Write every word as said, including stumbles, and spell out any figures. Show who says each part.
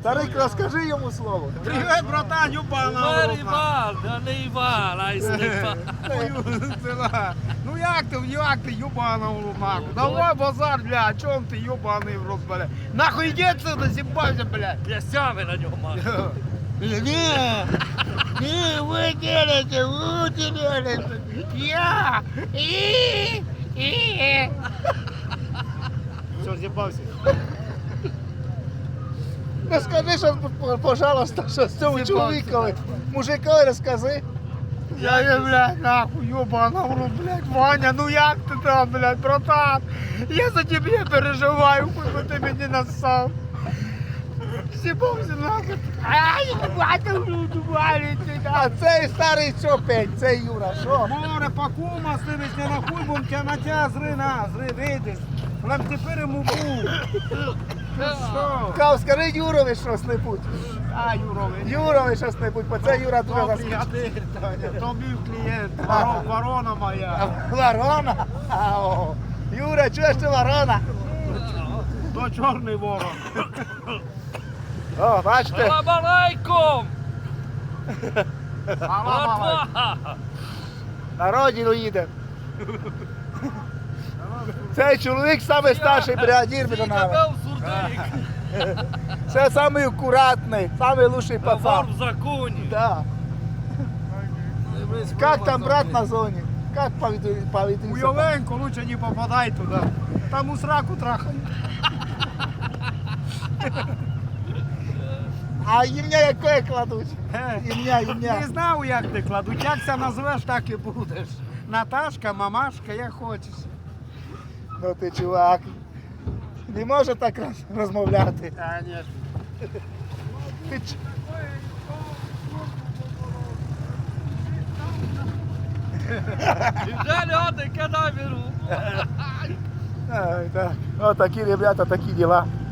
Speaker 1: Старик, розкажи йому слово.
Speaker 2: Привіт, братан, юбана.
Speaker 3: Марівал, да не Іван, а й Степан.
Speaker 2: Ну як ти, як ти, юбана в лумаку? Давай базар, бля, о чому ти юбаний в рот, бля? Нахуй йди отсюда, зібався, бля.
Speaker 3: П'ястями на нього маю.
Speaker 1: Не, не, вы делаете, вы делаете. Я. И, и.
Speaker 2: Все, зібався.
Speaker 1: Ну скажи, що, пожалуйста, що з цьому чоловікові, мужикові розкажи.
Speaker 2: Я не, блядь, нахуй, ёбана в рот, блядь, Ваня, ну як ти там, блядь, братан? Я за тебе переживаю, хоть би ти мені нассав. Сібався нахуй. Ай, бачу, люду, валите,
Speaker 1: А цей старий що пень, цей Юра, що?
Speaker 2: Море, пакума, сливись не нахуй, бо тя на тя зри, на, зри, вийдеш. Нам тепер йому був. Що?
Speaker 1: Кав, скажи Юрові щось-небудь.
Speaker 2: А, Юрове.
Speaker 1: Юрові щось-небудь, бо це Юра дуже
Speaker 2: Добрий,
Speaker 1: заскучив.
Speaker 2: а ти, Таня, то мій клієнт, ворон- ворона моя.
Speaker 1: Ворона? А, о. Юра, чуєш ти ворона?
Speaker 2: То чорний ворон.
Speaker 1: О, бачите?
Speaker 3: Салам алейкум!
Speaker 2: Салам алейкум.
Speaker 3: Братва!
Speaker 1: На родину їде. Цей чоловік самий старший бригадір біля
Speaker 3: Ти
Speaker 1: нами.
Speaker 3: тебе сурдик!
Speaker 1: Це самий акуратний, самий лучший
Speaker 3: Вор
Speaker 1: пацан.
Speaker 3: в законі!
Speaker 1: Да. Как там брат на зоні? Как поведу?
Speaker 2: Уйовенько, лучше не попадай туди. Там у сраку трахають.
Speaker 1: А ім'я яке кладуть?
Speaker 2: Е,
Speaker 1: Ім'я, ім'я.
Speaker 2: Не знав, як ти кладуть. Як це назвеш, так і будеш. Наташка, мамашка, як хочеш.
Speaker 1: Ну ти чувак. Не може так роз- розмовляти.
Speaker 2: Конечно.
Speaker 1: Ти ч-
Speaker 3: І вже люди кадай беру!
Speaker 1: Ай, так. О, такі ребята, такі діла.